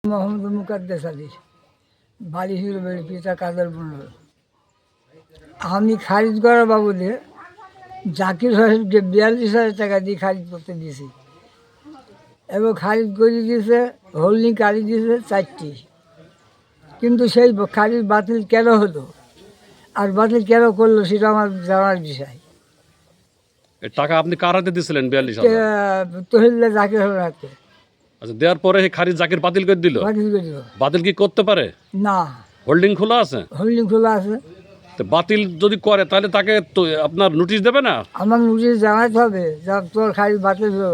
মোহাম্মদ মুকাদ্দেস আলী, বাড়ি হিরোবাড়ি, পিতা কাদের মন্ডল। আমি খারিজ করার বাবদে জাকির হোসেনকে 42,000 টাকা দিয়ে খারিজ করতে দিয়েছি এবং খারিজ করে দিয়েছে, হোল্ডিং কারি দিয়েছে 4টি। কিন্তু সেই খারিজ বাতিল কেন হলো আর বাতিল কেন করলো সেটা আমার জানার বিষয়। টাকা আপনি কার হাতে দিয়েছিলেন 42,000? তহিল্লা জাকির হোসেন হাতে। আচ্ছা, দেওয়ার পরে খারিজ জাকির বাতিল করে দিল? বাতিল করে দিল। বাতিল কি করতে পারে? না, হোল্ডিং খোলা আছে। হোল্ডিং খোলা আছে। তো বাতিল যদি করে তাহলে তাকে তো আপনার নোটিশ দেবে না? আমার নোটিশ জানাতে হবে যা তোর খারিজ বাতিল হলো।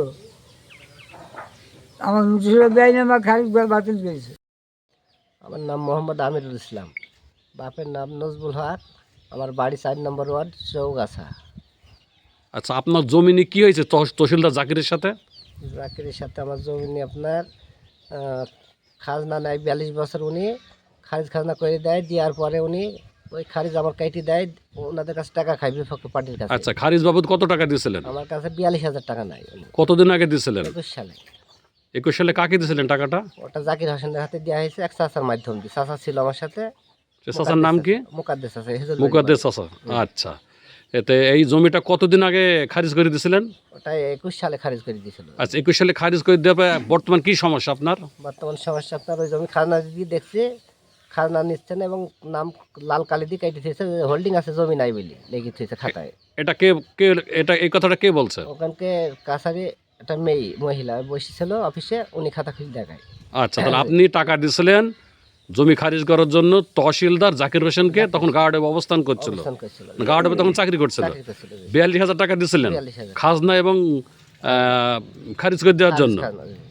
আমার নোটিশ দেয় না, আমার খারিজ বাতিল করেছে। আমার নাম মোহাম্মদ আমিরুল ইসলাম, বাপের নাম নজবুল হক, আমার বাড়ি 4 নম্বর ওয়ার্ড, চৌগাছা। আচ্ছা, আপনার জমিনে কি হয়েছে তহসিলদার জাকিরের সাথে? জাকিরের সাথে আমার জমি আপনার খাজনা নেয় 42 বছর। উনি খারিজ খাজনা করে দেয়, দেওয়ার পরে উনি ওই খারিজ আমার কাইটি দেয়, ওনাদের কাছে টাকা খাই বিপক্ষ পার্টির কাছে। আচ্ছা, খারিজ বাবদ কত টাকা দিয়েছিলেন? আমার কাছে 42,000 টাকা নাই। কতদিন আগে দিয়েছিলেন? 21 সালে। 21 সালে কাকে দিয়েছিলেন টাকাটা? ওটা জাকির হোসেনের হাতে দেওয়া হয়েছে, এক চাচার মাধ্যম দিয়ে। চাচা ছিল আমার সাথে। চাচার নাম কি? মুকাদ্দেস আছে। মুকাদ্দেস চাচা। আচ্ছা, এতে এই জমিটা কতদিন আগে খারিজ করে দিয়েছিলেন? ওটা 21 সালে খারিজ করে দিয়েছিল। আচ্ছা, 21 সালে খারিজ করে দেওয়া বর্তমান কি সমস্যা আপনার? বর্তমান সমস্যা আপনার ওই জমি খাজনা দিয়ে দেখছে, খাজনা নিচ্ছে না এবং নাম লাল কালি দিয়ে কেটে দিয়েছে, হোল্ডিং আছে জমি নাই বলে লিখে দিয়েছে খাতায়। এটা কে কে এটা এই কথাটা কে বলছে? ওখানকে কাছারি একটা মহিলা বসেছিল অফিসে, উনি খাতা খুঁজে দেখায়। আচ্ছা, তাহলে আপনি টাকা দিয়েছিলেন জমি খারিজ করার জন্য তহসিলদার জাকির হোসেনকে, তখন গার্ডে অবস্থান করছিল। গার্ডে তখন চাকরি করছিল। 42,000 টাকা দিয়েছিলেন 42,000 খাজনা এবং খারিজ করে দেওয়ার জন্য।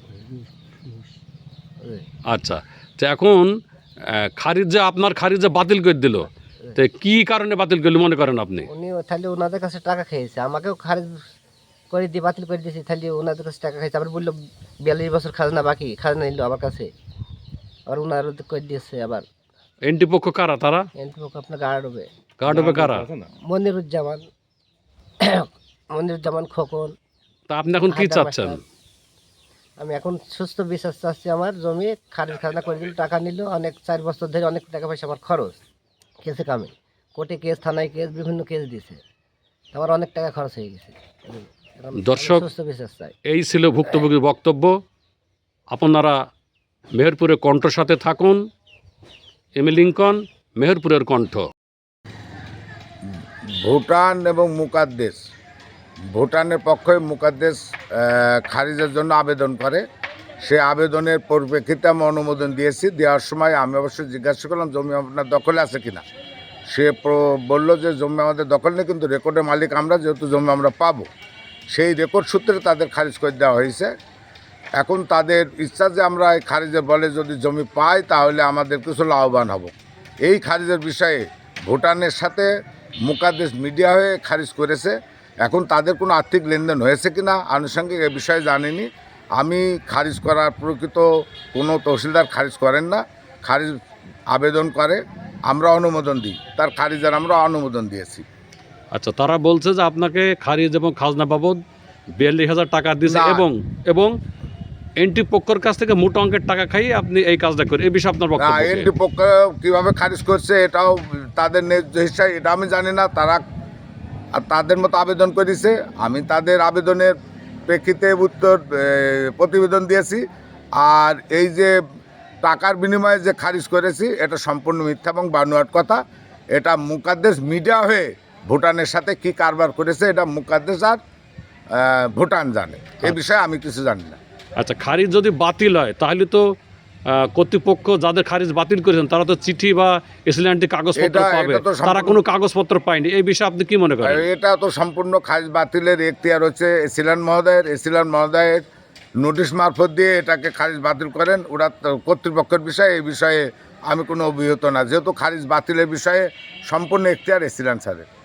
আচ্ছা, তো এখন খারিজ যে আপনার খারিজ যে বাতিল করে দিল, তো কি কারণে বাতিল করলো মনে করেন আপনি? উনি তাহলে ওনাদের কাছে টাকা খেয়েছে, আমাকেও খারিজ করে দিয়ে বাতিল করে দিয়েছে, তাহলে ওনাদের কাছে টাকা খেয়েছে। আবার বললো 42 বছর খাজনা বাকি, খাজনা নিল আমার কাছে, আর ওনার করে দিয়েছে। আবার এনটি পক্ষ কারা তারা? এনটি পক্ষ আপনার গার্ড হবে। গার্ড হবে কারা? মনিরুজ্জামান খোকন। তা আপনি এখন কি চাচ্ছেন? আমি এখন সুস্থ বিশ্বাস চাচ্ছি। আমার জমি খারিজ খাজনা করে দিল, টাকা নিল, অনেক 4 বছর ধরে অনেক টাকা পয়সা আমার খরচ, কেসে কামে, কোর্টে কেস, থানায় কেস, বিভিন্ন কেস দিয়েছে, আমার অনেক টাকা খরচ হয়ে গেছে। দর্শক, সুস্থ বিশ্বাস চাই। এই ছিল ভুক্তভোগীর বক্তব্য। আপনারা মেহেরপুরের কণ্ঠর সাথে থাকুন। এমি লিঙ্কন, মেহেরপুরের কণ্ঠ। ভুটান এবং মুকাদ্দেস, ভুটানের পক্ষে মুকাদ্দেস খারিজের জন্য আবেদন করে। সে আবেদনের পরিপ্রেক্ষিতে আমি অনুমোদন দিয়েছি। দেওয়ার সময় আমি অবশ্যই জিজ্ঞাসা করলাম জমি আপনার দখলে আছে কিনা। সে বলল যে জমি আমাদের দখল নেই, কিন্তু রেকর্ডের মালিক আমরা, যেহেতু জমি আমরা পাবো, সেই রেকর্ড সূত্রে তাদের খারিজ করে দেওয়া হয়েছে। এখন তাদের ইচ্ছা যে আমরা এই খারিজের বলে যদি জমি পাই তাহলে আমাদের কিছু লাভবান হব। এই খারিজের বিষয়ে ভুটানের সাথে মুকাদ্দেস মিডিয়া হয়ে খারিজ করেছে। এখন তাদের কোনো আর্থিক লেনদেন হয়েছে কিনা আনুষঙ্গিক এ বিষয়ে জানিনি আমি। খারিজ করার প্রকৃত কোনো তহসিলদার খারিজ করেন না, খারিজ আবেদন করে, আমরা অনুমোদন দিই, তার খারিজের আমরা অনুমোদন দিয়েছি। আচ্ছা, তারা বলছে যে আপনাকে খারিজ এবং খাজনা বাবদ 42,000 টাকা দিয়েছে এবং এনটি পক্ষের কাছ থেকে মোটা অঙ্কের টাকা খাইয়ে আপনি এই কাজটা করেন। এই বিষয়ে আপনার বক্তব্য? এনটি পক্ষ কীভাবে খারিজ করছে এটাও তাদের ন্যায্য হিসাবে, এটা আমি জানি না। তারা তাদের মতো আবেদন করেছে, আমি তাদের আবেদনের প্রেক্ষিতে প্রতিবেদন দিয়েছি। আর এই যে টাকার বিনিময়ে যে খারিজ করেছি এটা সম্পূর্ণ মিথ্যা এবং বানোয়াট কথা। এটা মুকাদ্দেস মিডিয়া হয়ে ভুটানের সাথে কি কারবার করেছে এটা মুকাদ্দেস আর ভুটান জানে, এ বিষয়ে আমি কিছু জানি না। আচ্ছা, খারিজ যদি বাতিল হয় তাহলে তো কর্তৃপক্ষ যাদের খারিজ বাতিল করেছেন তারা তো চিঠি বা এসিল্যান্টি কাগজপত্র পাবে, তারা কোনো কাগজপত্র পায়নি। এই বিষয়ে আপনি কি মনে করেন? এটা তো সম্পূর্ণ খারিজ বাতিলের এখতিয়ার হচ্ছে এসিল্যান্ড মহোদয়ের। এসিল্যান্ড মহোদয়ের নোটিশ মারফত দিয়ে এটাকে খারিজ বাতিল করেন ওরা কর্তৃপক্ষের বিষয়ে। এই বিষয়ে আমি কোনো অভিহিত না, যেহেতু খারিজ বাতিলের বিষয়ে সম্পূর্ণ এখতিয়ার এসিল্যান্ড স্যারের।